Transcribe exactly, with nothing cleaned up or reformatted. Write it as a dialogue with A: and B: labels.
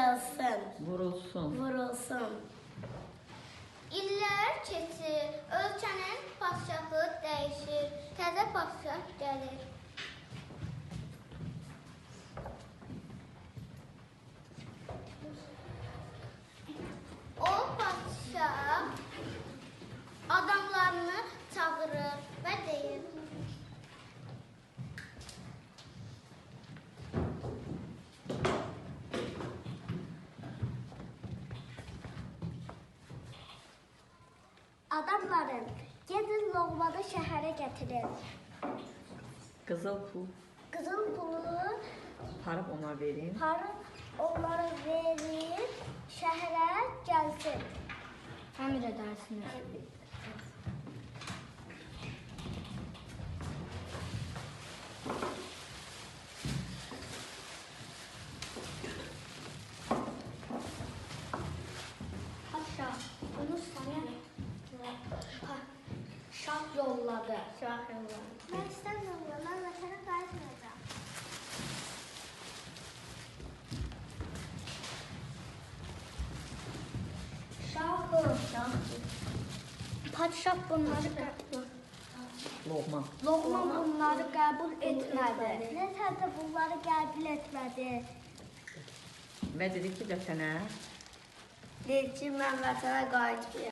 A: Vurulsun.
B: Vurulsun.
A: Vurulsun.
C: İllər keçir, ölkənin padşahı dəyişir, təzə padşah gəlir. O padşah adamlarını çağırır və deyir:
D: Adamlarım, gedin Loğmanı şəhərə gətirin.
B: Qızıl pul
D: Qızıl pulu
B: parıb ona verin.
D: parıb onlara verin, şəhərə gəlsin.
A: Əmr edərsiniz.
D: Paşa, bunu sənə şah yolladı.
A: Şah yolladı.
D: Mən istəmirəm, mən vətənə qayıtmayacağam. Şahım, padşah bunları qəbul
B: Loğman.
D: Loğman bunları qəbul etmədi. Nətər də bunları qəbul etmədi.
B: Və dedi ki, vətənə
A: Deyir ki, mən vətənə qayıtmayacağam.